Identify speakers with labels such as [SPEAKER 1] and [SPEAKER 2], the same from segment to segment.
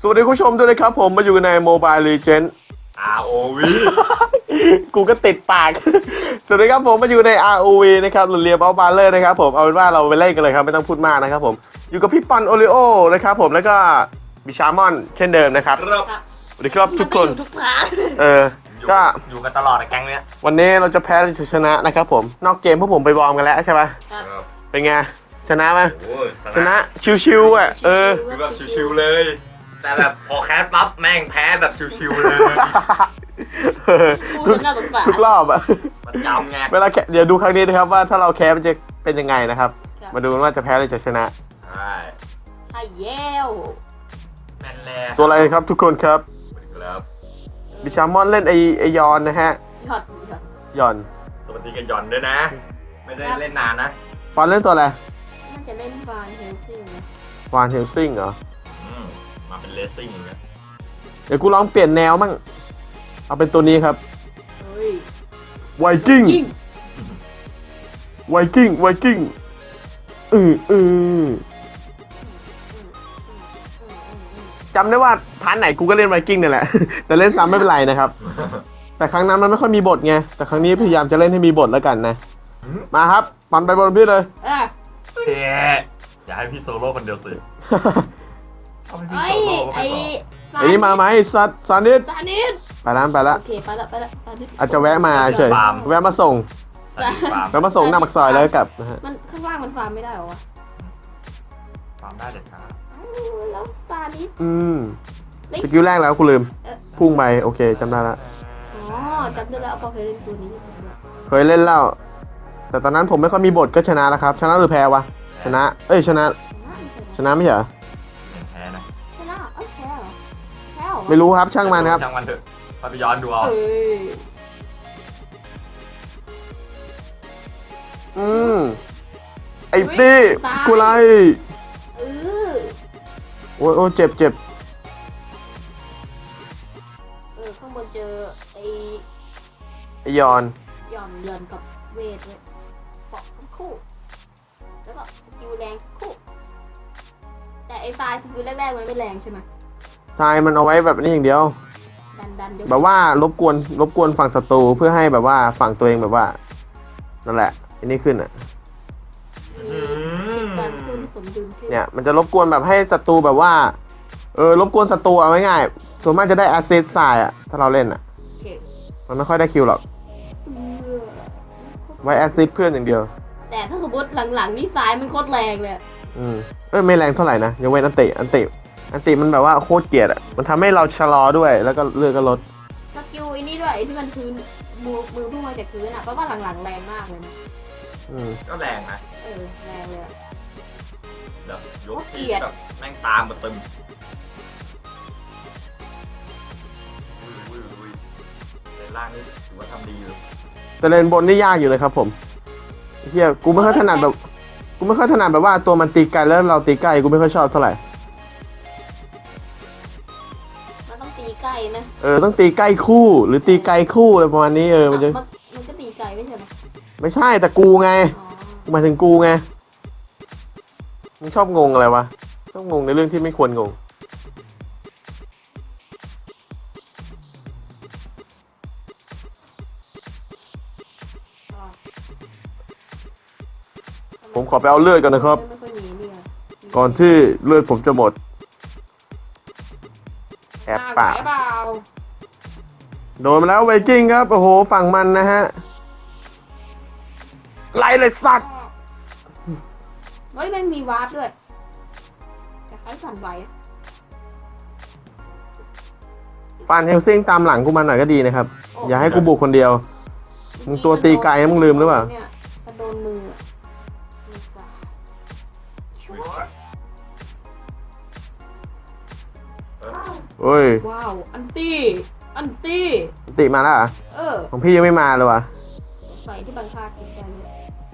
[SPEAKER 1] สวัสดีคุณผู้ชมด้วยนะครับผมมาอยู่ใน Mobile Legends
[SPEAKER 2] ROV
[SPEAKER 1] กูก็ติดปาก สวัสดีครับผมมาอยู่ใน ROV นะครับหรือเรียบเอาบาร์เลอร์นะครับผมเอาเป็นว่าเราไปเล่นกันเลยครับไม่ต้องพูดมากนะครับผมอยู่กับพี่ปอนโอริโอนะครับผมแล้วก็บิชามอนเช่นเดิมนะครับ
[SPEAKER 2] ครับ
[SPEAKER 1] สวัสดีครับทุกคน
[SPEAKER 3] มัอยู่ทุกร้าน
[SPEAKER 1] ก็
[SPEAKER 2] อยู่กันตลอดในแก๊งเนี้ย
[SPEAKER 1] วันนี้เราจะแพ้หรือจะชนะนะครับผมนอกเกมพวกผมไปวอร์มกันแล้วใช่ปะ
[SPEAKER 3] ครับ
[SPEAKER 1] เป็นไงชนะไหม
[SPEAKER 2] โอ้ย
[SPEAKER 1] ชนะชิวๆอ่ะ
[SPEAKER 2] คือแบบชิวๆเลย แต่แบบพอแคสปั๊บแม่งแพ้แบบชิวๆเลย
[SPEAKER 3] พูดน่าสงสาร
[SPEAKER 1] ทุกรอบอะ
[SPEAKER 2] มันจำไง
[SPEAKER 1] เวลาแข่งเดี๋ยวดูครั้งนี้นะครับว่าถ้าเราแพ้มันจะเป็นยังไงนะครับ
[SPEAKER 3] ครับ
[SPEAKER 1] มาดูกันว่าจะแพ้หรือจะชนะ
[SPEAKER 2] ใช่
[SPEAKER 3] ใช่แย้ว
[SPEAKER 2] แม่นแล้
[SPEAKER 1] ตัวอะไรครับทุกคนครับ
[SPEAKER 2] ครับ
[SPEAKER 1] บิชามอนเล่นไอยอนนะฮะ
[SPEAKER 3] หยอด
[SPEAKER 1] ยอน
[SPEAKER 2] สวัสดีกันหย่อนด้วยนะ ไม่ได้เล่นนานนะ
[SPEAKER 1] ปอนเล่นตัวอะไร
[SPEAKER 3] น่าจะเล่นฟานเฮลซิ่งนะ
[SPEAKER 1] วานเฮลซิงเหรอ
[SPEAKER 2] มาเป็นเลสซิ่งอย่างเงี้ย
[SPEAKER 1] เดี๋ยวกูลองเปลี่ยนแนวมั่งเอาเป็นตัวนี้ครับ
[SPEAKER 3] เฮ้ย
[SPEAKER 1] ไวกิ้ง
[SPEAKER 3] ยิง
[SPEAKER 1] ไวกิ้งจำได้ว่าพาร์ทไหนกูก็เล่นไวกิ้งนี่แหละ แต่เล่นซ้ำไม่เป็นไรนะครับ แต่ครั้งนั้นมันไม่ค่อยมีบทไงแต่ครั้งนี้พยายามจะเล่นให้มีบทแล้วกันนะ มาครับปันไปบนพี่เลย
[SPEAKER 3] อ่ะ
[SPEAKER 2] เอ๊ะอย่าให้พี่โซโล่คนเดียวสิเอาให้พี่
[SPEAKER 3] ไอ้
[SPEAKER 2] โซโล่ก็
[SPEAKER 3] ไอ้
[SPEAKER 2] ไม่พอ
[SPEAKER 1] ไอ้นี่มาไหมสัตว์ซานิด
[SPEAKER 3] ซานิด
[SPEAKER 1] ไปแล้ว
[SPEAKER 3] โอเคไปละซานิด
[SPEAKER 1] อาจจะแวะมาเฉยแวะมาส่ง
[SPEAKER 2] สวัสดีฟาร์ม
[SPEAKER 1] แวะมาส่งหน้าปากซอยแล้วก็กลับนะฮะ
[SPEAKER 3] มันข้างล่างมันฟาร์มไม่ได้เหรอวะ
[SPEAKER 2] ฟาร์มได้เด็ดขาด
[SPEAKER 3] แล้วซานิด
[SPEAKER 1] สกิลแรกแล้วกูลืม
[SPEAKER 3] เออ
[SPEAKER 1] พุ่งไปโอเคจำได้ละ
[SPEAKER 3] อ๋อจำได้แล้วพอเคยเล่นตัวนี้
[SPEAKER 1] เคยเล่นแล้ว แต่ตอนนั้นผมไม่ค่อยมีบทก็ชนะแล้วครับ ชนะหรือแพ้วะ ชนะ เอ้ยชนะ ชนะไม่ใช่เหรอ
[SPEAKER 2] แพ้นะ
[SPEAKER 3] ชนะเอ้ยแพ้เหรอแพ้เหรอ
[SPEAKER 1] ไม่รู้ครับช่างมันครับ
[SPEAKER 2] ช่างมันเถอะพาไปย้อนดูเอา
[SPEAKER 3] เอ้ย
[SPEAKER 1] ไอ้นี่กูไล่
[SPEAKER 3] เออ
[SPEAKER 1] โอ้ยเจ็บ
[SPEAKER 3] ข้างบนเจอไอ้
[SPEAKER 1] ไอยอน
[SPEAKER 3] หย่อนกับเวทเลยเกาะทั้งคู่ แล้วก็สกิลแรงคู่ แต่ไอ้ไฟสกิลแรกๆมันไม่แรงใช่ไหม
[SPEAKER 1] ทรายมันเอาไว้แบบนี้อย่างเดียว
[SPEAKER 3] ดันยก
[SPEAKER 1] แบบว่ารบกวนฝั่งศัตรูเพื่อให้แบบว่าฝั่งตัวเองแบบว่านั่นแหละอันนี้ขึ้นอ่ะ
[SPEAKER 3] มีการขึ้นสมดุลขึ้น
[SPEAKER 1] เนี่ยมันจะรบกวนแบบให้ศัตรูแบบว่ารบกวนศัตรูเอาง่ายๆส่วนมากจะได้แอสซิสต์ทรายอ่ะถ้าเราเล่นอ่ะ
[SPEAKER 3] โอเค
[SPEAKER 1] มันไม่ค่อยได้คิวหรอกไว้แอสซิสต์เพื่อนอย่างเดียว
[SPEAKER 3] แต่ถ้าสมมติหลังๆนี่ซ้ายมันโคตรแรงเลย
[SPEAKER 1] ไม่แรงเท่าไหร่นะยังเว้นอันติมันแบบว่าโคตรเกลียดอ่ะมันทำให้เราชะลอด้วยแล้วก็เลือดก็ลด
[SPEAKER 3] สกิลไอ้นี่ด้วยไอ้ที่มันพื้นมือพุ่งมาจากพื้นอ่ะเพราะว่าหลังๆแรงมากเลยนะ
[SPEAKER 2] ก็แรงนะ
[SPEAKER 3] แรงเลยอะ
[SPEAKER 2] แบบยก
[SPEAKER 3] เกลี
[SPEAKER 2] ที
[SPEAKER 3] ยด
[SPEAKER 2] แบบแม่งตามมาตึมอุ้ยในล่างนี่ถือว่าทำดีอยู่
[SPEAKER 1] แต่เลนบนนี่ยากอยู่เลยครับผมเฮียกูไม่ค่อยถนัดแบบว่าตัวมันตีไกลแล้วเราตีใกล้กูไม่ค่อยชอบเท่าไหร่
[SPEAKER 3] มันต้องตีใกล้นะ
[SPEAKER 1] ต้องตีใกล้คู่หรือตีไกลคู่อะไรประมาณนี้มันจะ
[SPEAKER 3] มันก็ตีไกลไม่ใช่ไหม
[SPEAKER 1] ไม่ใช่แต่กูไง
[SPEAKER 3] อ๋อ
[SPEAKER 1] หมายถึงกูไงมึงชอบงงอะไรวะชอบงงในเรื่องที่ไม่ควรงง ผมขอไปเอาเลือดก่อนนะครับ
[SPEAKER 3] ไม่ค่อยมีเนี่ย
[SPEAKER 1] ก่อนที่เลือดผมจะหมดแอบปาก
[SPEAKER 3] ไหวเปล่า
[SPEAKER 1] โดนมาแล้วไวกิ้งครับโอ้โหฝั่งมันนะฮะไล่เลยสัตว์
[SPEAKER 3] เฮ้ยแม่งมีวาร์ปด้วยแต่ใครสั่นไหว
[SPEAKER 1] ฟันเฮลซิงตามหลังกูมาหน่อยก็ดีนะครับ อย่าให้กูบุกคนเดียว มึงตัวตีไกลมึงลืมหรือเปล่า
[SPEAKER 3] นี่ยกระโดนมืออะมือซ้าย
[SPEAKER 1] เฮ้ย
[SPEAKER 3] ว้าว อันตี้
[SPEAKER 1] ติมาแล้วเหรอของพี่ยังไม่มาเลยวะ
[SPEAKER 3] ใส่ที่บางภาคกินใจเลย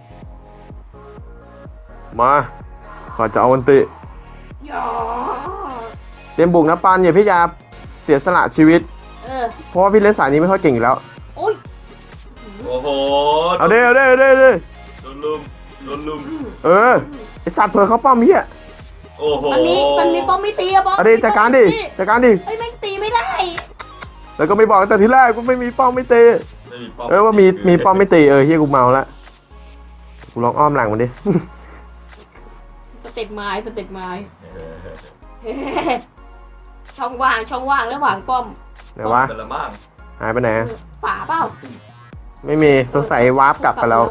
[SPEAKER 1] มาขอจะเอาอันติ
[SPEAKER 3] ยอ
[SPEAKER 1] เตรียมบุกนะปันอย่าพี่ยาเสียสละชีวิต เพราะว่าพี่เล่นสายนี้ไม่ค่อยเก่งอยู่แล้ว
[SPEAKER 3] โอ้ย
[SPEAKER 2] โอ้โห
[SPEAKER 1] เอาเด้
[SPEAKER 2] โดนลุม
[SPEAKER 1] ไอสัตว์เผลอเขาป้อมเหี้ย
[SPEAKER 2] โอ้โห
[SPEAKER 3] มันมีป้อมไม่ตีอะป้อม
[SPEAKER 1] เอาดิจัดการดิจัดการดิ
[SPEAKER 3] เอ้ยแม่งตีไม่ได้
[SPEAKER 1] แล้วก็ไม่บอกแต่ทีแรกกูไม่มีป้อมไม่ตี
[SPEAKER 2] ไม่มีป้อม
[SPEAKER 1] ว่ามีป้อมไม่ตีเฮียกูเมาละกูลองอ้อมหลังมันดิ
[SPEAKER 3] สเต็ปไม้สเต็ปไม้
[SPEAKER 2] เออ
[SPEAKER 3] ช่องว่างระหว่างป้อม
[SPEAKER 1] ไหนวะ
[SPEAKER 2] เป็นละมั่ง
[SPEAKER 1] หายไปไหน
[SPEAKER 3] ป่าเปล่า
[SPEAKER 1] ไม่มีสงสัยวาร์ปกลับไปแล้ว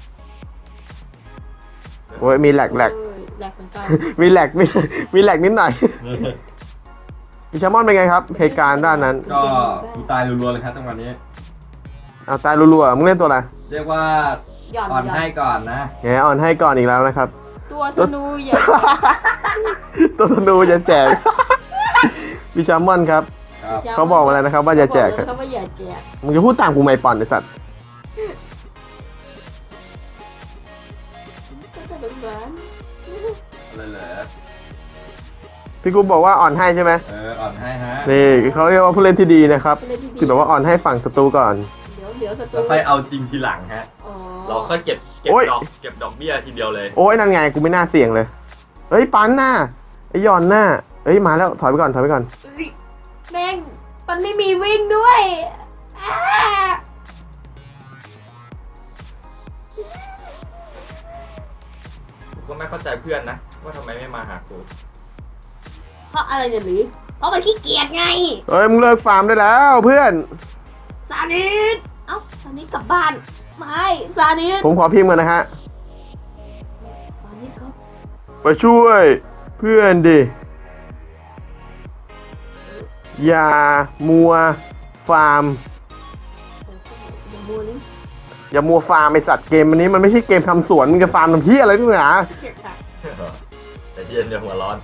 [SPEAKER 1] โอ้ยมีแหลก
[SPEAKER 3] แหลกเหมือนกัน
[SPEAKER 1] มีแหลกมีแหลกนิดหน่อยพี่ชามอนเป็นไงครับเหตุการณ์ด้านนั้น
[SPEAKER 4] ก็กูตายรัวๆเลยครับจังหวะนี้
[SPEAKER 1] เอาตายรัวๆมึงเล่นตัวอะไร
[SPEAKER 4] เรียกว่า
[SPEAKER 3] หย่อน
[SPEAKER 4] อ่อน
[SPEAKER 3] หย่อน
[SPEAKER 4] ให้ก่อนนะ
[SPEAKER 1] แหมอ่อนให้ก่อนอีกแล้วนะครับ
[SPEAKER 3] ตัวธนูเหย่อน
[SPEAKER 1] ตัวธนูจะแจก พี่ชามอนครับ
[SPEAKER 4] ครับ
[SPEAKER 1] เขาบอกมาแล้วนะครับว่าอย่าแจก
[SPEAKER 3] เขาว่าอย่าแจก
[SPEAKER 1] มึงจะพูดตามกูไม่ปอนไอสัตว์
[SPEAKER 3] ก็จะเป็นเหมือน
[SPEAKER 4] อะไรเหรอ
[SPEAKER 1] พี่กูบอกว่าอ่อนให้ใช่ไหม
[SPEAKER 4] อ่อนให้ฮะ
[SPEAKER 1] นี่เขาเรียกว่าผู้เล่นที่ดีนะครับ
[SPEAKER 3] เล่นที่ดี
[SPEAKER 1] ที่แบบว่าอ่อนให้ฝั่งศัตรูก่อน
[SPEAKER 3] เดี๋ยวศัตรู
[SPEAKER 4] แล้วค่อยเอาจริงทีหลังฮะ
[SPEAKER 3] อ๋อ
[SPEAKER 2] เราก็เก็บ
[SPEAKER 1] โอ้ย
[SPEAKER 2] เก็บดอกเบี้ยทีเดียวเลย
[SPEAKER 1] โอ้ยนั่นไงกูไม่น่าเสี่ยงเลยเฮ้ยปันหน้าไอ้ยอนหน้าเอ้ยมาแล้วถอยไปก่อนถอยไปก่อน
[SPEAKER 3] เอ้ยแม่งมันไม่มีวิ่งด้วยอ้า
[SPEAKER 2] กูก็ไม่เข้าใจเพื่อนนะว่าทำไมไม่มาหากู
[SPEAKER 3] เพราะอะไรเนี่ยหรือเพราะมันขี้เกียจไง
[SPEAKER 1] เอ้ยมึงเลิกฟาร์มได้แล้วเพื่อน
[SPEAKER 3] ซานิสเอ้าซานิสกลับบ้านไม่ซานิส
[SPEAKER 1] ผมขอพิมพ์กันนะฮะ
[SPEAKER 3] ซานิสครับ
[SPEAKER 1] ไปช่วยเพื่อนดิอย่ามัวฟาร์ม
[SPEAKER 3] อย่ามัวนี่
[SPEAKER 1] อย่ามัวฟาร์มไอสัตว์เกมอันนี้มันไม่ใช่เกมทำสวนมึงจะฟาร์มทำเพี้ยอะไรทุกอย่าง
[SPEAKER 3] เกียจค่ะ
[SPEAKER 2] แต่ที่เย็นจะหัวร้อน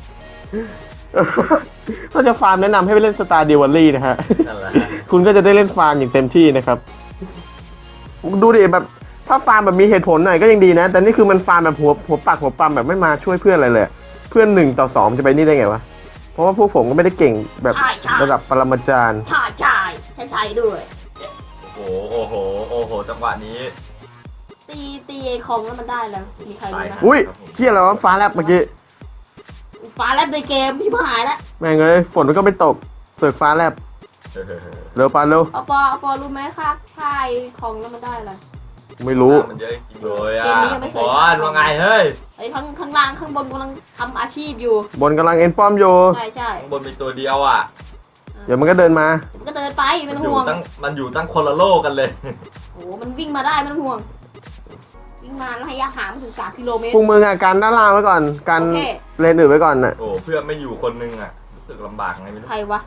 [SPEAKER 1] ถ้าจะฟาร์มแนะนำให้ไปเล่นสตาร์ดิวัลลี่นะฮะ
[SPEAKER 2] นั่นแหละ
[SPEAKER 1] คุณก็จะได้เล่นฟาร์มอย่างเต็มที่นะครับ ดูดิแบบถ้าฟาร์มแบบมีเหตุผลหน่อยก็ยังดีนะ แต่นี่คือมันฟาร์มแบบหัวปักหัวปั๊มแบบไม่มาช่วยเพื่อนอะไรเลย เพื่อน1-2จะไปนี่ได้ไงวะ เพราะว่าพวกผมก็ไม่ได้เก่งแบบระดับปรมาจารย์
[SPEAKER 3] ใช่ด้วย
[SPEAKER 2] โอ้โหจังหวะนี้
[SPEAKER 3] ตีไอคอมแล้วมันได้แล้วมีใครรู้นะ
[SPEAKER 1] อุ้ยเพี้ยอะไรวะฟ้าแลบเมื่อกี้
[SPEAKER 3] ฟ้าแลบในเกมที่หายแล้ว
[SPEAKER 1] แม่งเลยฝนมันก็ไม่ตกเสือกฟ้าแลบเร็วปานเร็ว
[SPEAKER 3] เอาปอรู้ไหมค่ายคองแล้วมันได้อะไร
[SPEAKER 1] ไม่รู้
[SPEAKER 2] มันเยอะจริงเลยอ่ะ
[SPEAKER 3] เกมนี้ยังไม่เคย
[SPEAKER 2] บอลว่าไงเฮ้ย
[SPEAKER 3] ไอ้ข้างล่างข้างบนกำลังทำอาชีพอยู่
[SPEAKER 1] บนกำลังเอ็นป้อมอยู่
[SPEAKER 3] ใช่
[SPEAKER 2] ข้างบนมีตัวเดียวอ่ะ
[SPEAKER 1] เดี๋ยวมันก็เดินมา
[SPEAKER 3] มันก็เดินไปไม่
[SPEAKER 2] มัน
[SPEAKER 3] ต้อง
[SPEAKER 2] อยู่
[SPEAKER 3] ห่วง
[SPEAKER 2] มันอยู่ตั้งคนละโลกกันเลย
[SPEAKER 3] โอ้มันวิ่งมาได้ไม่ต้องห่วงวิ่งมาระยะห่างไม่ถึง3 กิโลเมตร
[SPEAKER 1] พวกมึงอ่ะกันด้านล่างไว้ก่อนกัน
[SPEAKER 3] โอเค
[SPEAKER 1] เลนอื่นไว้ก่อนน่ะ
[SPEAKER 2] โอ้เพื่อนไม่อยู่คนนึงอ่ะรู้สึกลำบากไงไม่รู้
[SPEAKER 3] ใครวะ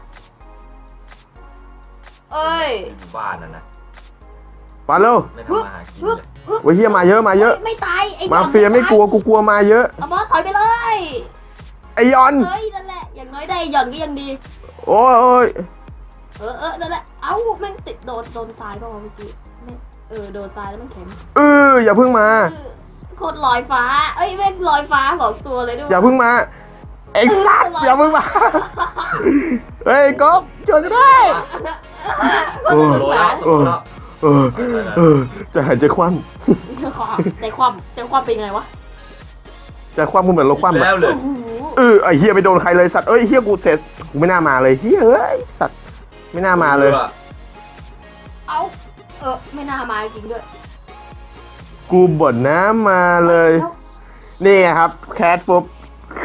[SPEAKER 3] เอ้ย
[SPEAKER 2] อยู่บ้านน่ะนะ
[SPEAKER 1] ปานเร็ว
[SPEAKER 2] ไม่ทำมาหากินเลย
[SPEAKER 1] โอ้ยเฮียมาเยอะมาเยอะ
[SPEAKER 3] ไม่ตายไอ้
[SPEAKER 1] มาเฟียไม่กลัวกูกลัวมาเยอะ
[SPEAKER 3] เอาบอสถอยไปเลย
[SPEAKER 1] ไอยอน
[SPEAKER 3] เฮ้ยนั่นแหละอย่างน้อยได้หย่อนก็ยังดี
[SPEAKER 1] โอ้ยโอ้ย
[SPEAKER 3] นั่นแหละเอ้าแม่งติดโดนทรายป่าวะเมื่อกี้ไม่โดนทรายแล้วมันแข็ง
[SPEAKER 1] อย่าเพิ่งมา
[SPEAKER 3] โคตรลอยฟ้าเอ้ยแม่งลอยฟ้า2 ตัวเลยด้วย
[SPEAKER 1] อย่าเพิ่งมาเอ็กซัสอย่าเพิ่งมาเฮ้ยก๊อฟช่วยกันได้
[SPEAKER 3] โคตรสงสาร
[SPEAKER 1] เออจะหายใจคว่
[SPEAKER 3] ใจความเป็นไงวะ
[SPEAKER 1] ำจะคว่ำกูเหมือนรถคว่ำ
[SPEAKER 2] แล้วเลย
[SPEAKER 3] โอ้โห
[SPEAKER 1] ไอเฮียไปโดนใครเลยสัตว์เอ้ยเฮียกูเสร็จกูไม่น่ามาเลยเฮียเอ้ยสัตว์ไม่น่ามาเลย
[SPEAKER 3] เอาไม่น่ามาจริงด้วย
[SPEAKER 1] กูบ่นน้ำมาเลย นี่ไงครับแคสปุ๊บ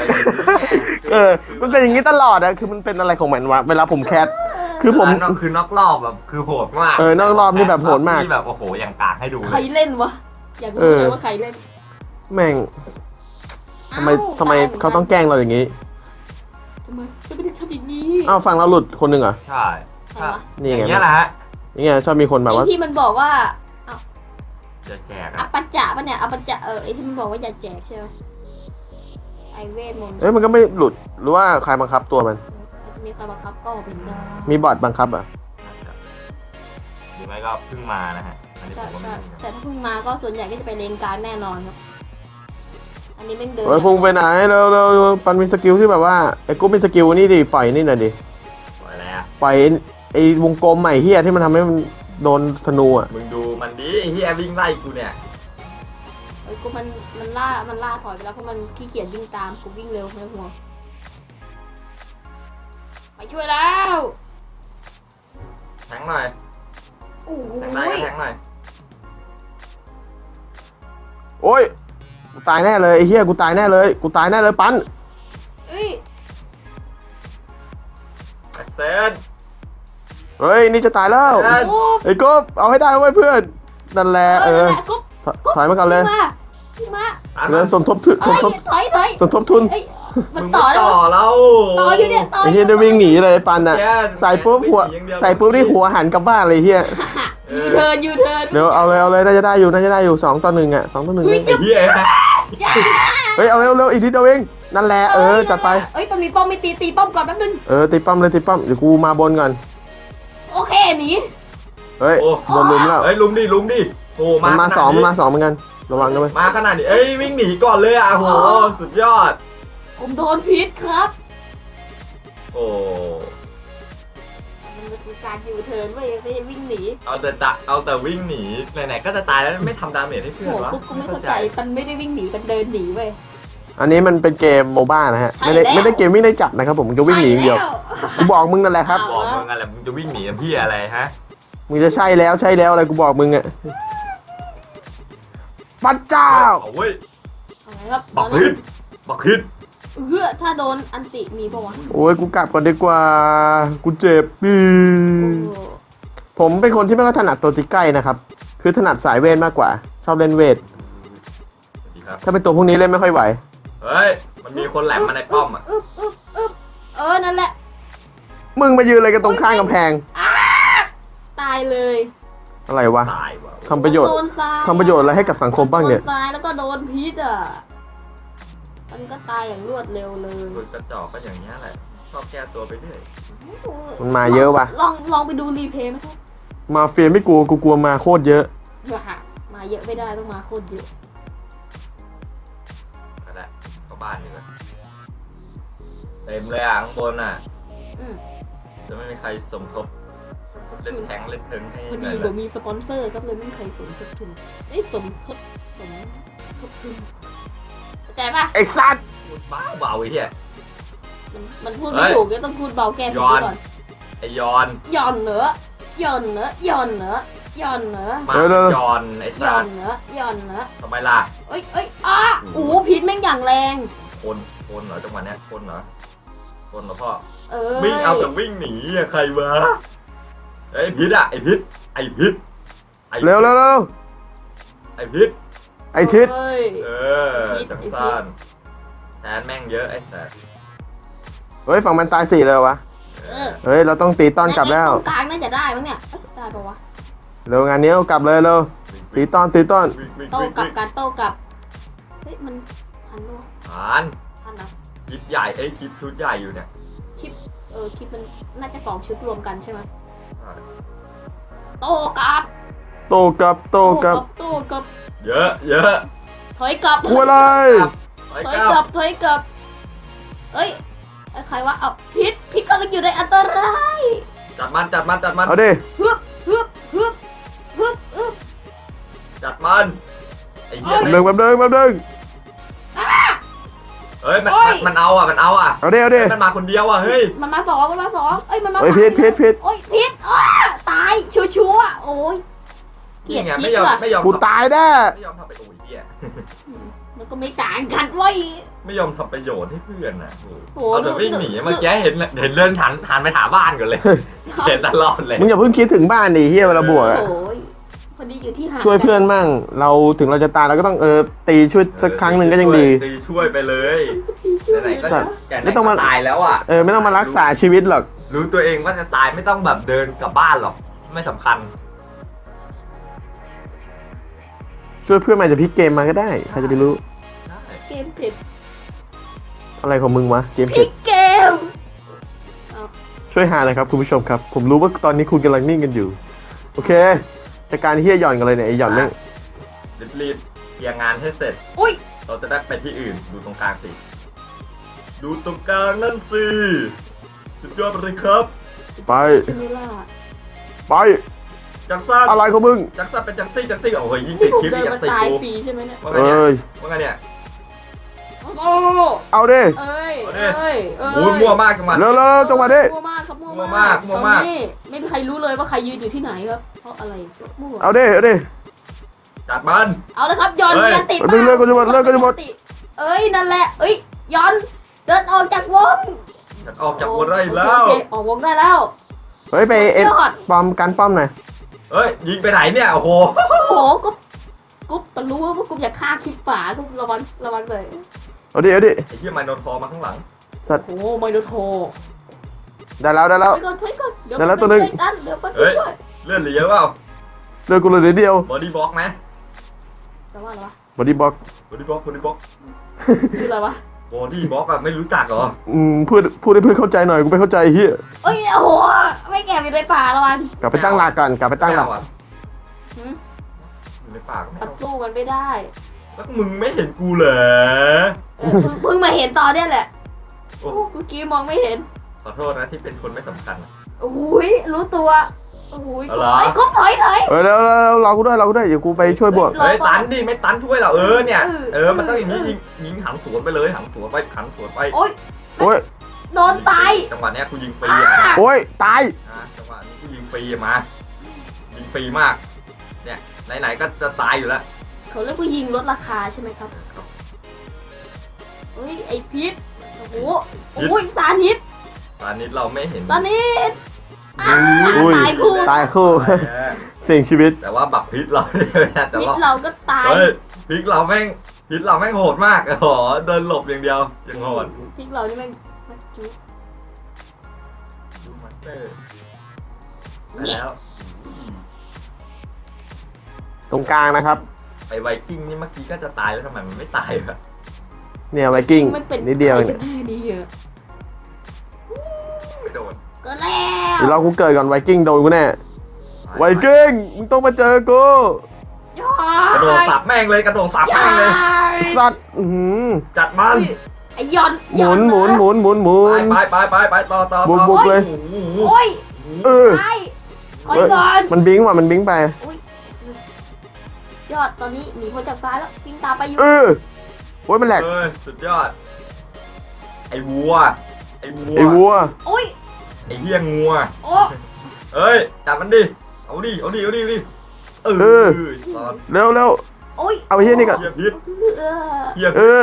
[SPEAKER 1] มันเป็นอย่างนี้ตลอดอะคือมันเป็นอะไรของมันวะเวลาผมแคสคือผม
[SPEAKER 2] คือนอกรอบแบบคือโหดมาก
[SPEAKER 1] นอกรอบนี่แบบโหดมาก
[SPEAKER 2] ที่แบบโอ้โหอย่างกากให้ดู
[SPEAKER 3] ใครเล่นวะอยากรู้เลยว่าใครเล่น
[SPEAKER 1] แม่งทำไมเขาต้องแกล้งเราอย่างนี้
[SPEAKER 3] ทำไมจะไม่ได้ทำอย่างนี้
[SPEAKER 1] อ้าวฟังเราหลุดคนหนึ่งเหรอ
[SPEAKER 2] ใช่
[SPEAKER 3] ใครวะ
[SPEAKER 1] นี่
[SPEAKER 2] อ
[SPEAKER 1] ไง
[SPEAKER 2] ย่างเงี้ยแหละฮะ
[SPEAKER 1] นี่ไงชอบมีคนแบบว่า
[SPEAKER 3] ไอ้ที่มันบอกว่า
[SPEAKER 2] จะแจก
[SPEAKER 3] อ
[SPEAKER 2] อะ
[SPEAKER 3] ปัจจะปะเนี่ยอปัจจะไอ้ที่มันบอกว่าอย่าแจกใช่ไหมไอเวทมนต์
[SPEAKER 1] เอ้ยมันก็ไม่หลุดหรือว่าใครบังคับตัวมัน
[SPEAKER 3] จะมีใครบังคับก็เป็นได้
[SPEAKER 1] มีบอทบังคับอ่ะ
[SPEAKER 2] หรือไม่ก็เพิ่งมานะฮะอันนี้
[SPEAKER 3] ใช่
[SPEAKER 2] ผมก็ไม่
[SPEAKER 3] ใช่
[SPEAKER 2] รู้นะ
[SPEAKER 3] แต่ถ้าเพิ่งมาก็ส่วนใหญ่ก็จะไปเลนกลารแน่นอนครับ อันนี้แม่งเดิน
[SPEAKER 1] เฮ้ยพุ่งไปไหนเราปันมีสกิลที่แบบว่าไอ้กูมีสกิลนี่ดิปล่อยนี่หน่อยดิ
[SPEAKER 2] ปล่อยแล้ว
[SPEAKER 1] ปล่อยไอ้วงกลมใหม่เฮียที่มันทำให้มันโดนธนูอ่ะ
[SPEAKER 2] มึงดูมันดิไอ้เฮียวิ่งไล่กูเนี่ย
[SPEAKER 3] อ้ยกูมันล่าถอยไปแล้วเพราะมันขี้เกียจวิ่งตามกูวิ่งเร็วไม่ต้องห่วงไปช่วยแล้ว
[SPEAKER 2] แทงหน่อย
[SPEAKER 3] โอ้โห
[SPEAKER 2] แทงได้ก็แทงหน่อย
[SPEAKER 1] โอ้ยกูตายแน่เลยไอ้เหี้ยกูตายแน่เลยกูตายแน่เลยปัน
[SPEAKER 3] เอ้ย
[SPEAKER 2] แอคเซน
[SPEAKER 1] เฮ้ยนี่จะตายแล้ว
[SPEAKER 2] เอ้ย
[SPEAKER 3] กุ๊บ
[SPEAKER 1] ไอ้กบเอาให้ได้ไว้ยเพื่อนนั่นแหละ
[SPEAKER 3] นั่น
[SPEAKER 1] เออ
[SPEAKER 3] แหละกุ๊บ
[SPEAKER 1] ถอยมาก่อนเลย
[SPEAKER 3] วิ่งมา
[SPEAKER 2] ตาม
[SPEAKER 1] เดี๋
[SPEAKER 2] มั
[SPEAKER 1] ยวน สมทบทุน
[SPEAKER 3] เอ้ยถอย
[SPEAKER 1] สมทบทุน
[SPEAKER 3] เอ้ยมัน
[SPEAKER 2] มึง
[SPEAKER 3] ต่อ
[SPEAKER 2] ไม่
[SPEAKER 3] แล้ว
[SPEAKER 2] ต่อแล้ว
[SPEAKER 3] ต่ออยู่เนี่ยต่อ
[SPEAKER 1] ไอ้
[SPEAKER 3] อ
[SPEAKER 1] เหี้ย
[SPEAKER 3] ยู่
[SPEAKER 1] จะวิ่งหนีเลยปันอ่ะ
[SPEAKER 2] แย่
[SPEAKER 1] ใส่ปุ๊บหัว
[SPEAKER 2] วิ่งหนีอย่างเดียว
[SPEAKER 1] ใส่ปุ๊บที่หัวหันกลับบ้านเลยเหี้ย
[SPEAKER 3] ยูเทิร์น
[SPEAKER 1] เดี๋ยวเอาเลยน่าจะได้อยู่2-1อ่ะ2-1
[SPEAKER 3] เฮ้ย
[SPEAKER 2] ไอ้เหี้ย
[SPEAKER 3] อย่า
[SPEAKER 1] เฮ้ยเอาเร็วอีกนิดเดียวเองนั่นแหละจัดไป
[SPEAKER 3] เอ้ยมันมีป้อมไม่ตีป้อมก่อนแป๊บนึง
[SPEAKER 1] ตีป้อมเลยตีป้อมเดี๋ยวกูมาบนก่อน
[SPEAKER 3] โอเคหนี
[SPEAKER 1] เฮ้ย
[SPEAKER 2] โอ้
[SPEAKER 1] โดนลุมแล้ว
[SPEAKER 2] เฮ้ยลุมดิโอ้
[SPEAKER 1] มันมา
[SPEAKER 2] ขด
[SPEAKER 1] สองเหมือนกันระวังนะเว้ย
[SPEAKER 2] มาขนาดนี้เอ้ยวิ่งหนีก่อนเลยอ่ะโหสุดยอด
[SPEAKER 3] ผมโดนพิษครับ
[SPEAKER 2] โอ้
[SPEAKER 3] มันเป็นการยูเทิร์นไม่ใช่วิ่งหนี
[SPEAKER 2] เอาแต่วิ่งหนีไหนๆก็จะตายแล้วไม่ทำดาเมจให้เพื่อน
[SPEAKER 3] โห
[SPEAKER 2] วะ
[SPEAKER 3] ปุ๊บก็ไม่เข้าใจมันไม่ได้วิ่งหนีมันเดินหนีเว้ย
[SPEAKER 1] อันนี้มันเป็นเกมโมบ้านะฮะ
[SPEAKER 3] ใช่
[SPEAKER 1] ไม่ได้
[SPEAKER 3] แล้ว
[SPEAKER 1] เกมวิ่งได้จับนะครับผมมึงจะวิ่งหนีอย่างเดียวกูบอกมึงนั่นแหละครับ
[SPEAKER 2] บอกมึงอะไรมึงจะวิ่งหนีกับพี่อะไรฮะ
[SPEAKER 1] มึงจะใช่แล้วอะไรกูบอกมึงอ่ะพระเจ้า
[SPEAKER 2] เอาเว้ย
[SPEAKER 3] เอาไงครับ
[SPEAKER 2] บักฮิตบักฮิต
[SPEAKER 3] ถ้าโดนอันติมีปะวะ
[SPEAKER 1] โอ้ยกูกลับก่อนดีกว่ากูเจ็บ
[SPEAKER 3] โอ้
[SPEAKER 1] ผมเป็นคนที่ไม่ค่อยถนัดตัวตีใกล้นะครับคือถนัดสายเวทมากกว่า ชอบเล่นเวท
[SPEAKER 2] สวัสดีครับ
[SPEAKER 1] ถ้าเป็นตัวพวกนี้เล่นไม่ค่อยไหว
[SPEAKER 2] เฮ้ยมันมีคนแหลมมาในป้อมอ่ะ
[SPEAKER 3] นั่นแหละ
[SPEAKER 1] มึงมายืนอะไรกันตรงข้างกำแพง
[SPEAKER 3] ตายเลย
[SPEAKER 1] อะไรวะ
[SPEAKER 2] ตายว่ะ
[SPEAKER 1] ทำประโยชน์
[SPEAKER 3] โดนทราย
[SPEAKER 1] ทำประโยชน์อะไรให้กับสังคมบ้างเนี่ย
[SPEAKER 3] โดนทรายแล้วก็โดนพิษอ่ะมันก็ตายอย่างรวดเร็วเลย
[SPEAKER 2] คนกระจอกก็อย่างเงี้ยแหละชอบแก้ตัวไปเรื่อย
[SPEAKER 1] มันมาเยอะว่ะ
[SPEAKER 3] ลองไปดูรีเพลย์ไหมครับ
[SPEAKER 1] มาเฟียไม่กลัวกูกลัวมาโคตรเยอะ
[SPEAKER 3] มาเยอะไม่ได้ต้องมาโคตรเยอะ
[SPEAKER 2] ก็ได้ก็บ้านนี่ก็เต็มเลยอ่ะข้างบนอ่ะ
[SPEAKER 3] อืม
[SPEAKER 2] จะไม่มีใครสมทบเล่นแทงเล่นเทิงให้
[SPEAKER 3] พอ
[SPEAKER 2] หน่
[SPEAKER 3] ดี
[SPEAKER 2] อย
[SPEAKER 3] เดี๋ยว
[SPEAKER 2] ละ
[SPEAKER 3] มีสปอนเซอร์ก็เลยไม่มีใครสมทบทุนสมทบทุนเข้าใจปะ
[SPEAKER 1] ไอ้สัตว์
[SPEAKER 2] พูดบ้าเบาไอ้เหี้ย
[SPEAKER 3] มันพูดไม่ถูกก็ต้องพูดเบาแก้ผิด
[SPEAKER 2] ย้อน
[SPEAKER 3] ก่อน
[SPEAKER 2] ไอยอน
[SPEAKER 3] ย่อนเหนือย่อนเหนือย่อนเหนือย่อนเหนือ
[SPEAKER 2] มาย้อนไอ้
[SPEAKER 3] ย่
[SPEAKER 2] สั
[SPEAKER 3] อ
[SPEAKER 2] ต
[SPEAKER 3] น
[SPEAKER 2] ว์
[SPEAKER 3] เหนือย่อนเหนือ
[SPEAKER 2] ทำไมล่ะ
[SPEAKER 3] เอ้ยโอ้พิษแม่งอย่างแรง
[SPEAKER 2] คนเหรอจังหวะเนี้ยคนเหรอพ่อ
[SPEAKER 3] วิ่
[SPEAKER 2] วิ่งเอาแต่วิ่งหนีอะใครวะไอ้พิษอะไอ้พิษ
[SPEAKER 1] เร็ว
[SPEAKER 2] ไอ้พิษ
[SPEAKER 1] ไอ้ทิศ
[SPEAKER 2] จังซ่านแทนแม่งเยอะไอ้สัส
[SPEAKER 1] เฮ้ยฝั่งมันตาย4เลยวะเฮ้ยเราต้องตีต้อนกลับแล้ว
[SPEAKER 3] ตรงกลางน่าจะได้มั้งเนี่ยได้ปะวะ
[SPEAKER 1] เร็วงานนี้เอากลับเลยเร็วตีต้อน
[SPEAKER 2] วิ่ง
[SPEAKER 3] โต้กลับการโต้กลับเฮ้ยมันทันด้วย
[SPEAKER 2] ผ่าน
[SPEAKER 3] ทันนะ
[SPEAKER 2] คลิปใหญ่คลิปชุดใหญ่อยู่เนี่ย
[SPEAKER 3] คลิปมันน่าจะ2ชุดรวมกันใช่ไหมโต้กลับ
[SPEAKER 1] โตกลับ
[SPEAKER 3] โต้กลับ
[SPEAKER 2] เยอะ
[SPEAKER 3] ถอยกลับ
[SPEAKER 1] กลัวอะไร
[SPEAKER 2] ไป
[SPEAKER 3] ถอย
[SPEAKER 2] ก
[SPEAKER 3] ก
[SPEAKER 2] ลั
[SPEAKER 3] ลั
[SPEAKER 2] บบ
[SPEAKER 3] ถอยกลับเอ้ยใครวะเอาพิษกำลังอยู่ในอันตราย
[SPEAKER 2] จัดมัน
[SPEAKER 1] เอาดิ
[SPEAKER 3] ฮึบ
[SPEAKER 2] จัดมันไอ้เหี้ย
[SPEAKER 1] แป๊บนึง
[SPEAKER 2] เฮ้ยมันเอาอ่ะ
[SPEAKER 1] เอาดิ
[SPEAKER 2] มันมาคนเดียวอ่ะเฮ้ย
[SPEAKER 3] มันมาสองเอ้ยมันมา
[SPEAKER 1] เฮ้ยพิษ
[SPEAKER 3] โอ้ยพิษตายชัวร์โอ้ยเกลียด
[SPEAKER 2] นี่ไง
[SPEAKER 3] พิ
[SPEAKER 2] ไม่
[SPEAKER 3] ษ
[SPEAKER 2] ยอม
[SPEAKER 3] ว่ะ
[SPEAKER 2] ไม่ยอม
[SPEAKER 1] กูตายแน่
[SPEAKER 2] ไม่ยอมทำไปโอ้ยเหี้ย
[SPEAKER 3] มันก็ไม่ต่างกันเว้ย
[SPEAKER 2] ไม่ยอมทำประโยชน์ให้เพื่อนนะ
[SPEAKER 3] โอ้
[SPEAKER 2] เอาแต่วิ่งหนีเมื่อกี้เห็นเลื่อนหันไปหาบ้านก่อนเลย เห็นตลอดเลย
[SPEAKER 1] มึงอย่าเพิ่งคิดถึงบ้านดิเฮียเวลาบวกอะ
[SPEAKER 3] โอ้ยพอดีอยู่ที่หาด
[SPEAKER 1] ช่วยเพื่อนมั่งเราถึงเราจะตายเราก็ต้องตีช่วยสักครั้งหนึ่งก็ยังดี
[SPEAKER 2] ตีช่วยไปเลยไหนๆก็
[SPEAKER 1] ใช่
[SPEAKER 2] ไม่ต้องมาตายแล้วอ่ะ
[SPEAKER 1] ไม่ต้องมารักษาชีวิตหรอก
[SPEAKER 2] รู้ตัวเองว่าจะตายไม่ต้องแบบเดินกลับบ้านหรอกไม่สำคัญ
[SPEAKER 1] ช่วยเพื่อนมาจะพลิกเกมมาก็ได้ใครจะไปรู้
[SPEAKER 3] เกมเผ็ด
[SPEAKER 1] อะไรของมึงวะเกม
[SPEAKER 3] พลิ
[SPEAKER 1] เผ็ด
[SPEAKER 3] กเกม
[SPEAKER 1] ช่วยหาเลยครับคุณผู้ชมครับ ผมรู้ว่าตอนนี้คุณกำลังนิ่งกันอยู่ โอเคจัดการเฮียหย่อนกันเลยเนี่ยไอหย่อนเนี่ย
[SPEAKER 2] รีบเคลียร์งานให้เสร็จ
[SPEAKER 3] อุ้ย
[SPEAKER 2] เราจะได้ไปที่อื่นดูตรงกลางสิดูตรงกลางนั่นสิสุดยอดไปเลยครับ
[SPEAKER 1] ไป
[SPEAKER 3] ชิมิล่า
[SPEAKER 1] ไป
[SPEAKER 2] จักสัน
[SPEAKER 1] อะไรของมึง
[SPEAKER 2] จักสันเป็นจักซี่โอ้ยยิง
[SPEAKER 3] นี่
[SPEAKER 2] ติด
[SPEAKER 3] ผม
[SPEAKER 2] คลิป
[SPEAKER 3] เดิน
[SPEAKER 2] ยั
[SPEAKER 3] มาง
[SPEAKER 2] ติด
[SPEAKER 3] ตาย
[SPEAKER 2] กู
[SPEAKER 3] ฟรีใช่ไหมเนี่ย
[SPEAKER 2] ว่าไง
[SPEAKER 1] เอ้
[SPEAKER 2] เนี่ย
[SPEAKER 1] ย
[SPEAKER 2] ว่าไงเนี่ย
[SPEAKER 3] โอ้
[SPEAKER 1] เอาดิ
[SPEAKER 3] เอ้ย
[SPEAKER 2] เอาดิ
[SPEAKER 3] เอ้ยเอ้ย
[SPEAKER 2] โอ้ยมั่วมากจังหวะ
[SPEAKER 1] เร็วๆจังหวะนี้
[SPEAKER 3] มั่วมากครับ
[SPEAKER 2] มั่วมากมั่วมาก
[SPEAKER 3] ตอนนี้ไม่มีใครรู้เลยว่าใครยืนอยู่ที่ไหนครับเพราะอะไรมั่ว
[SPEAKER 1] เอาดิ
[SPEAKER 2] จัดมัน
[SPEAKER 3] เอาเลยครับยอน
[SPEAKER 2] เฮ้ย
[SPEAKER 3] ยันติ
[SPEAKER 1] เลิกก็จะหมดเลิกก็จะหมด
[SPEAKER 3] เอ้ยนั่นแหละเอ้ยยอนเดินออกจากวง
[SPEAKER 2] จัดออกจากวงได้แล้ว
[SPEAKER 3] โอเคออกวงได้แล้ว
[SPEAKER 1] เฮ้ยไปเอ็ด
[SPEAKER 3] ยอด
[SPEAKER 1] ป้อมกันป้อมหน่อย
[SPEAKER 2] เฮ้ยยิงไปไหนเนี่ยโอ้โห
[SPEAKER 3] โอ้โหกุ๊บแต่รู้ว่ากุ๊บอยากฆ่าคลิปป่ากุ๊บระวังเลย
[SPEAKER 1] เอาดิ
[SPEAKER 2] ไอ้เหี้ยไมโนทอร์มาข้างหลัง
[SPEAKER 3] โอ้โหไมโนโท
[SPEAKER 1] ได้แล้ว
[SPEAKER 3] ไปก่อนเดี๋ยว
[SPEAKER 1] ได้แล้วตัวหนึ่ง
[SPEAKER 3] เดี๋ยวไป
[SPEAKER 2] เฮ้ย
[SPEAKER 3] ช่วย
[SPEAKER 2] เลื่อนเหลือเยอะเปล่า
[SPEAKER 1] เลิกกูเลยเดียว
[SPEAKER 2] บอดี้บล็อกไหม
[SPEAKER 3] แต่ว่าอะไรวะ
[SPEAKER 1] บอดี้บล็อก
[SPEAKER 2] บอดี้บล็อก
[SPEAKER 3] คืออะไรวะ
[SPEAKER 2] บอดี้บล็อกอะไม่รู้จักเหรอ
[SPEAKER 1] พูดให้เพื่อนเข้าใจหน่อยกูไม่เข้าใจเฮีย
[SPEAKER 3] เอ้ยโอ้โหไม่แก่อยู่ในป่าระวัง
[SPEAKER 1] กลับไปตั้งหลักก่อนกลับไปตั้งหลัก
[SPEAKER 2] ไม่เอาอะ
[SPEAKER 3] หืม
[SPEAKER 2] อยู่ในป่าก็ไม่
[SPEAKER 3] ตัด
[SPEAKER 2] เอา
[SPEAKER 3] สู้มันไม่ได้
[SPEAKER 2] แล้วมึงไม่เห็นกูเหรอ
[SPEAKER 3] เพิ่งมาเห็นตอนเนี้ยแหละ
[SPEAKER 2] โอ้
[SPEAKER 3] เมื่อกี้มองไม่เห็น
[SPEAKER 2] ขอโทษนะที่เป็นคนไม่สำคัญอะ
[SPEAKER 3] โอ้ยรู้ตัวโอ้ย
[SPEAKER 2] เอาเหรอ
[SPEAKER 3] ครบถอย
[SPEAKER 1] เออแล้วเรากูด้วยเดี๋ยวกูไปช่วยบวก
[SPEAKER 2] เฮ้ยตันดิไม่ตันช่วยเราเนี่ย
[SPEAKER 3] เออ
[SPEAKER 2] มันต้องอย่างนี้ยิงหันสวนไปเลยหันสวนไป
[SPEAKER 3] โอ้ย
[SPEAKER 1] โอ้ย
[SPEAKER 3] โดนตาย
[SPEAKER 2] จังหวะเนี้ยกูยิงฟรีอะ
[SPEAKER 1] โอ้ยตาย
[SPEAKER 2] จังหวะนี้กูยิงฟรีอะมายิงฟรีมากเนี่ยไหนๆก็จะตายอยู่แล้ว
[SPEAKER 3] เขาเรียกว่ายิงลดราคาใช่ไหมครับเฮ้ยไอพิษโอ้โหโอ้ยสานิด
[SPEAKER 2] ตอนนี้เราไม่เห็น
[SPEAKER 3] สานิด
[SPEAKER 1] อุ้ย
[SPEAKER 3] ตายคู่
[SPEAKER 1] ตายคู่ เสี่ยงชีวิต
[SPEAKER 2] แต่ว่าบักพิษเราเนี่ยแต่
[SPEAKER 3] พิษ
[SPEAKER 2] ว่า
[SPEAKER 3] เราก็ตาย
[SPEAKER 2] เฮ้ยพิษเราแม่งโหดมากโอ้โหเดินหลบอย่างเดียวยังโหด
[SPEAKER 3] พิษเรานี่แม่งจุ๊บ
[SPEAKER 2] ดูมาสเตอร์ได้แล้ว
[SPEAKER 1] ตรงกลางนะครับ
[SPEAKER 2] ไอไวกิ้งนี่เมื่อกี้ก็จะตายแล้วทำไมมันไม่ตายวะ
[SPEAKER 1] เนี่ยไวกิ้ง
[SPEAKER 3] มันเป็น
[SPEAKER 1] นิดเดียว
[SPEAKER 3] อะไร
[SPEAKER 1] เนี่
[SPEAKER 3] กั
[SPEAKER 1] ย
[SPEAKER 3] นแน่ดีอะ
[SPEAKER 2] ไม่โดน
[SPEAKER 3] เกิดแล้ว
[SPEAKER 1] เดี๋ยวเรากูเกิดก่อนไวกิ้งโดนกูแน่ไวกิ้งมึงต้องมาเจอกู
[SPEAKER 3] ยอก
[SPEAKER 2] ระโดดสับแม่งเลยกระโดดสับแม่งเลย
[SPEAKER 1] สัตว์อื้อหือ
[SPEAKER 2] จัดมัน
[SPEAKER 3] ไอยอน
[SPEAKER 1] หมุน
[SPEAKER 2] ไปต่อ
[SPEAKER 1] บุกเลย
[SPEAKER 3] โอ้ย
[SPEAKER 1] เออ
[SPEAKER 3] ตายถอยก่อน
[SPEAKER 1] มันบิงว่ะมันบิงไป
[SPEAKER 3] ยอดตอนนี้หนีพ้นจากซ้ายแล้ววิ่งตามไปอยู่
[SPEAKER 1] เออโอ้ยมันแหลก
[SPEAKER 2] เอ้ยสุดยอดไอ้วัว
[SPEAKER 1] ไอ้วัว
[SPEAKER 3] โอ้ย
[SPEAKER 2] ไอ้เหี้ยงัว
[SPEAKER 3] โอ้
[SPEAKER 2] เอ้ยจับมันดิเอาดิตอน
[SPEAKER 1] เร็ว
[SPEAKER 3] โอ้ย
[SPEAKER 1] เอาไปเหี้ยนี่ก่อน
[SPEAKER 2] เหี้ยพิษ
[SPEAKER 3] เออ
[SPEAKER 2] เหี้ย
[SPEAKER 1] เออ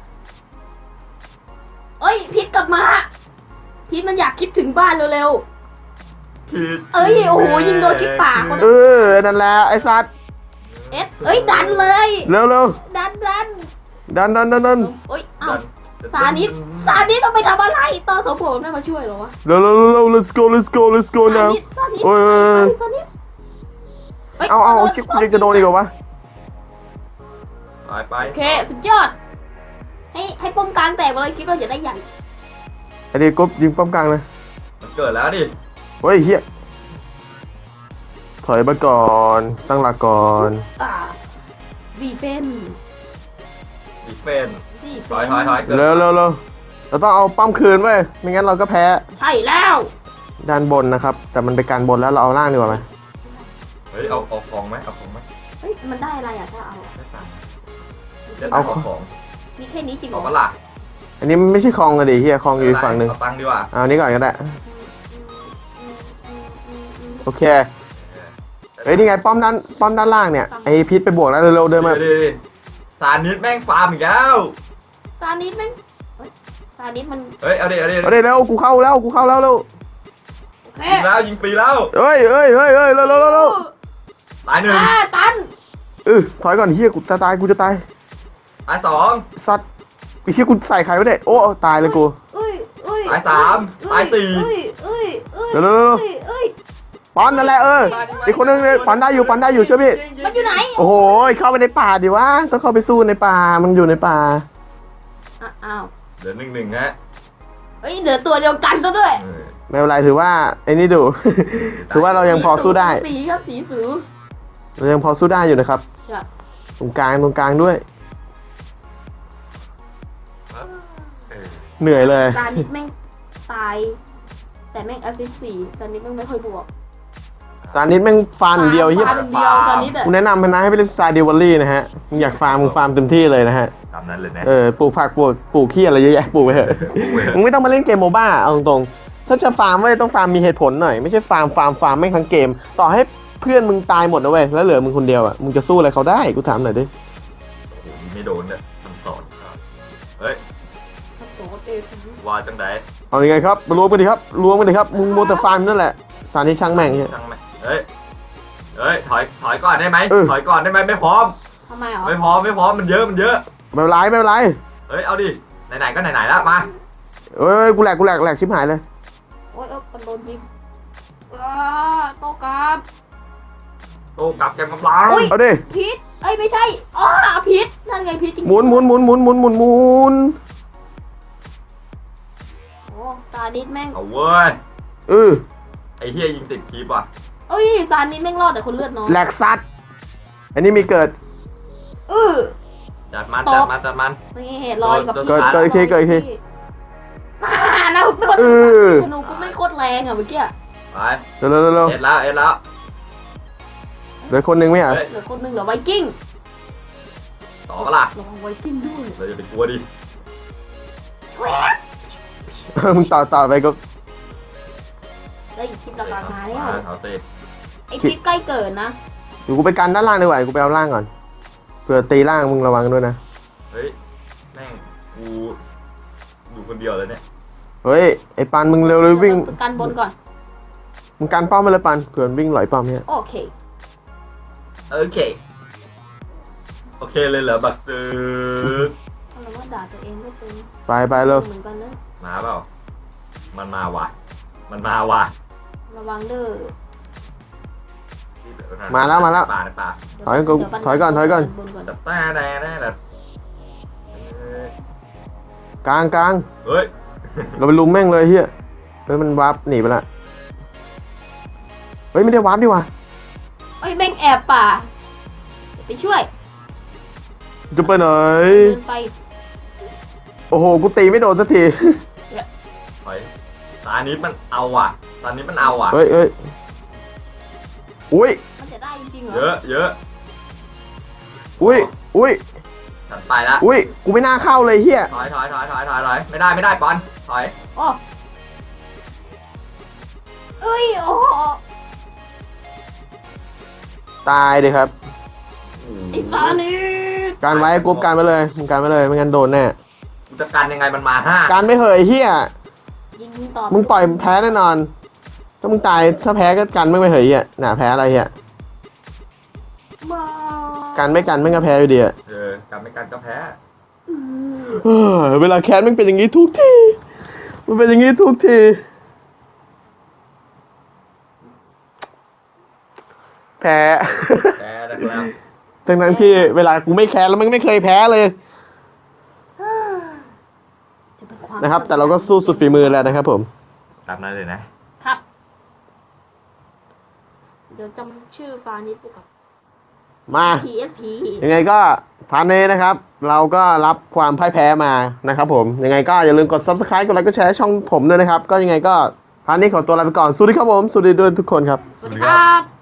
[SPEAKER 3] เอ้ยพิษกลับมาพิษมันอยากคิดถึงบ้านเร็ว
[SPEAKER 2] พิษ
[SPEAKER 3] ๆเอ้ยโอ้โหยิงโดนที่ปากคน
[SPEAKER 1] เออนั่นแหละไอ้สัตว์
[SPEAKER 3] เอ็ดเอ้ยดันเลย
[SPEAKER 1] เร็ว
[SPEAKER 3] ดัน
[SPEAKER 1] ดัน
[SPEAKER 3] โอ้ยเอ้าซานิดต้องไปทำอะไรตอนเขาโผล่ไม่มาช่วยเหรอวะ
[SPEAKER 1] เร็ว let's go
[SPEAKER 3] ซา
[SPEAKER 1] now
[SPEAKER 3] นิด
[SPEAKER 1] โอ้ย
[SPEAKER 3] ซานิด
[SPEAKER 1] เอาชิคกูยังจะโดนอีกเหรอวะ
[SPEAKER 2] ไป
[SPEAKER 3] โอเคสุดยอดให้ป้อมกลางแตกไปเลยคิดว่าจะได้ใหญ่
[SPEAKER 1] ไอ้นี่กบยิงป้อมกลางเลย
[SPEAKER 2] มันเกิดแล้วดิ
[SPEAKER 1] เฮ้ยเฮียถอยมาก่อนตั้งหลักก่อน
[SPEAKER 3] ดีเฟน
[SPEAKER 2] ดิเฟน
[SPEAKER 3] ดีเฟ
[SPEAKER 2] ถอยเกิด
[SPEAKER 1] เร็วเราต้องเอาป้อมคืนไว้ยไม่งั้นเราก็แพ้
[SPEAKER 3] ใช่แล้ว
[SPEAKER 1] ด้านบนนะครับ แต่มันเป็นการบนแล้วเราเอาล่างดีกว่าไหม
[SPEAKER 2] เฮ้ยเอาของไหมเอาของไหม
[SPEAKER 3] เฮ้ยมันได้อะไรอ่ะถ้าเอา
[SPEAKER 2] ได้ตังค์ได้ตังค์เอาของ
[SPEAKER 3] มีแค่นี้จริงเหร
[SPEAKER 2] เอา
[SPEAKER 3] อ
[SPEAKER 2] ปะล่ะ
[SPEAKER 1] อันนี้มันไม่ใช่คลองกันดิเฮียคลองอยู่อีกฝั่งหนึ่ง
[SPEAKER 2] เอาตังค์ดีกว่า
[SPEAKER 1] เอาอันนี้ก่อนก็ได้โอเคเฮ้ยนี่ไงป้อมด้านล่างเนี่ยไอพิษไปบวกแล้วเร็วๆเดินมา
[SPEAKER 2] ดิสารนิดแม่งฟาร์มอีกแล้ว
[SPEAKER 3] ซานิดแม่งซานิดมัน
[SPEAKER 2] เฮ้ยเอาดิ
[SPEAKER 1] เอาดิเร็วกูเข้าแล้วเร็ว
[SPEAKER 3] โอเค
[SPEAKER 2] ยิงฟรีแล้ว
[SPEAKER 1] เฮ้ยเร็ว
[SPEAKER 2] ตายหนึ่ง
[SPEAKER 3] ตัน
[SPEAKER 1] ถอยก่อนเฮียกูจะตาย
[SPEAKER 2] ตายสอง
[SPEAKER 1] สัตว์ไอ้เฮียกูใส่ใครไว้เนี่ยโอ้ตายเลยกู
[SPEAKER 2] ตายสามตายสี่
[SPEAKER 1] เร็วปอนนั่นแหละอีกคนนึงเนี่ยปอนได้อยู่เชื่อพี่
[SPEAKER 3] มันอยู่ไหน
[SPEAKER 1] โอ้โหเข้าไปในป่าดิวะต้องเข้าไปสู้ในป่ามันอยู่ในป่า
[SPEAKER 3] อ้าว
[SPEAKER 2] เหลือหนึ่งฮะ
[SPEAKER 3] เฮ้ยเหลือตัวเดียวกันซะด้วย
[SPEAKER 1] ไม่เป็นไรถือว่าไอ้นี่ดู ถือว่าเรายังพอสู้ได้
[SPEAKER 3] สีครับสีสู
[SPEAKER 1] เรายังพอสู้ได้อยู่นะครับ
[SPEAKER 3] ครับ
[SPEAKER 1] ตรงกลางด้วย เหนื่อยเลย
[SPEAKER 3] ซานิดแม่งตาย แต่แม่งแอสซิสต์4ซานิดแม่งไม่ค่อยบวก
[SPEAKER 1] ซานิสแม่งฟาร์มอย่างเดียวเฮีย
[SPEAKER 3] ฟาร์มอย่างเดียวตอนนี้แต่
[SPEAKER 1] กูแนะนำนะให้ไปเล่นสไตล์เดวอลลี่นะฮะมึงอยากฟาร์มมึงฟาร์มเต็มที่เลยนะฮะ
[SPEAKER 2] ตามนั้นเลยนะ
[SPEAKER 1] ปลูกผักปลูกขี้อะไรเยอะแยะปลูกไปเถอะมึงไม่ต้องมาเล่นเกมโมบ้าเอาตรงๆถ้าจะฟาร์มเว้ยต้องฟาร์มมีเหตุผลหน่อยไม่ใช่ฟาร์มไม่งทั้งเกม ต่อให้เพื่อนมึงตายหมดนะเว้ยแล้วเหลือมึงคนเดียวอ่ะมึงจะสู้อะไรเขาได้กูถามหน่อยดิ
[SPEAKER 2] โอ้โหไม่โดนเนี่ยมันสอนเฮ้ย
[SPEAKER 3] โสดเอฟ
[SPEAKER 2] ว่าจังได
[SPEAKER 1] เอายังไงครับรวมกันดิครับมึงโมวแต่ฟาร์มนั่นแหละซานิสช่างแม่งเนี่ย
[SPEAKER 2] ช่างไหมเฮ้ยถอยก่อนได้ไหม
[SPEAKER 1] เออ
[SPEAKER 2] ถอยก่อนได้ไหมไม่พร้อม
[SPEAKER 3] ทำไมเหรอ
[SPEAKER 2] ไม่พร้อมมันเยอะ
[SPEAKER 1] ไม่เป็นไร
[SPEAKER 2] เฮ้ยเอาดิไหนๆก็ไหนๆแล้วมา
[SPEAKER 1] เอ้ยกูแหลกชิบหายเลย
[SPEAKER 3] โอ้ยมันโดนยิงโตกราบ
[SPEAKER 2] โตกลับแกมกำลัง
[SPEAKER 3] อุ๊ย
[SPEAKER 1] เอาดิ
[SPEAKER 3] พิษเอ้ยไม่ใช่พิษนั่นไงพิษจริงๆ
[SPEAKER 1] หมุน
[SPEAKER 3] โอ้ซาดิสแม่ง
[SPEAKER 2] เอาเว้ย
[SPEAKER 1] เออ
[SPEAKER 2] ไอ้เฮียยิงติดคีบว่ะ
[SPEAKER 3] เอ้ยซาดิสแม่งรอดแต่คนเลือดน้อย
[SPEAKER 1] แหลกซัดอันนี้มีเกิด
[SPEAKER 2] จัดมัน
[SPEAKER 3] นี่เหตุลอยกับ
[SPEAKER 1] เกิดอีกที
[SPEAKER 3] นะคุณ
[SPEAKER 1] เออ
[SPEAKER 3] ธนูกูไม่โคตรแรงอ่ะเมื่อกี้
[SPEAKER 2] ไป
[SPEAKER 1] เร็ว
[SPEAKER 2] เอ็ดแล้ว
[SPEAKER 1] เหลือคนหนึ่งไหมอ่ะ
[SPEAKER 2] เฮ้ย
[SPEAKER 3] เหลือคนหนึ่งเหลือไวกิ้ง
[SPEAKER 2] ต่อปะล่ะ
[SPEAKER 3] ระวังไวกิ้งด้วย
[SPEAKER 2] เราอย่าไปกลัวดิ
[SPEAKER 1] มึงต่อไปก็
[SPEAKER 3] แล้วอีกคลิปหลักๆมาแล้ว
[SPEAKER 2] เอาสิ
[SPEAKER 3] ไอพิษใกล้เกิดนะ
[SPEAKER 1] เดี๋ยวกูไปกันด้านล่างดีกว่ากูไปเอาล่างก่อนเผื่อตีล่างมึงระวังด้วยนะ
[SPEAKER 2] เฮ้ยแม่งกูอยู่คนเดียวเลยเนี่ย
[SPEAKER 1] เฮ้ยไอ้ปันมึงเร็วเลยวิ่ง
[SPEAKER 3] กันบนก่อน
[SPEAKER 1] มึงกันป้อมไปเลยปันเผื่อวิ่งหลอยป้อมเนี่ย
[SPEAKER 3] โอเค
[SPEAKER 2] โอเคเลยเหรอบักตึก
[SPEAKER 3] เราว่าด่าตัวเองไม่เป็น
[SPEAKER 1] ไปเร็ว
[SPEAKER 3] เหมือนกันนะ
[SPEAKER 2] มาเปล่ามันมาว่ะ
[SPEAKER 3] ระวังเด้อ
[SPEAKER 1] มาแล้ว
[SPEAKER 2] ป่า
[SPEAKER 1] ถอยก่อน
[SPEAKER 3] บนก่อน
[SPEAKER 2] แต่แต่
[SPEAKER 1] กลาง
[SPEAKER 2] เฮ้ย
[SPEAKER 1] เราไปลุมแม่งเลยเฮียเฮ้ยมันวาร์ปหนีไปละเฮ้ยไม่ได้วาร์ปดีว่ะ
[SPEAKER 3] เอ้ยแม่งแอบป่าไปช่วย
[SPEAKER 1] จะไปไหน
[SPEAKER 3] เดินไป
[SPEAKER 1] โอ้โหกูตีไม่โดนสักที
[SPEAKER 2] ถอยตอนนี้มันเอาอ่ะ
[SPEAKER 1] เฮ้ยอุ้ย
[SPEAKER 3] มันจะได้จริงๆเหร
[SPEAKER 2] เยอะ
[SPEAKER 1] อุ้ย
[SPEAKER 2] ฉันไปละ
[SPEAKER 1] อุ้ยกูไม่น่าเข้าเลยเฮีย
[SPEAKER 2] ถอยไม่ได้ปอนถอย
[SPEAKER 3] โอ้เอ้ยโอ้
[SPEAKER 1] ตายดิครับ
[SPEAKER 3] ไอ้ซานิส
[SPEAKER 1] การไว้กรุ๊ปการไปเลยมึงการไปเลยไม่งั้นโดนแน่
[SPEAKER 2] กูจะกันยังไงมันมา5
[SPEAKER 1] การไม่เหยเฮีย
[SPEAKER 3] ยิงต่อ
[SPEAKER 1] มึงปล่อยแพ้แน่นอน ถ้ามึงตายถ้าแพ้ก็กันไม่เหยเฮียน่ะแพ้อะไรเฮีย
[SPEAKER 3] มา
[SPEAKER 1] กันไม่กันไม่ก็แพ้อยู่ดีอะ
[SPEAKER 2] กันไม่กันก็แพ้
[SPEAKER 1] เวลาแคสมันเป็นอย่างนี้ทุกทีมันเป็นอย่างนี้ทุกทีแพ้
[SPEAKER 2] แพ้แล้ว
[SPEAKER 1] ทั้งที่เวลากูไม่แคสแล้วมันไม่เคยแพ้เลย
[SPEAKER 3] จะเป็นความ
[SPEAKER 1] นะครับ แต่เราก็สู้สุดฝีมือแล้วนะครับผม
[SPEAKER 2] ตามนั้นเลยนะ
[SPEAKER 3] ครับ เดี๋ยวจำชื่อฟานิสไปก่อน
[SPEAKER 1] มา
[SPEAKER 3] PSP
[SPEAKER 1] ยังไงก็พาร์ทนี้นะครับ เราก็รับความพ่ายแพ้มานะครับผมยังไงก็อย่าลืมกด Subscribe กดไลค์กดแชร์ช่องผมด้วยนะครับ ก็ยังไงก็พาร์ทนี้ขอตัวลาไปก่อนสวัสดีครับผมสวัสดีด้วยทุกคนครับ
[SPEAKER 3] สวัสดีครับ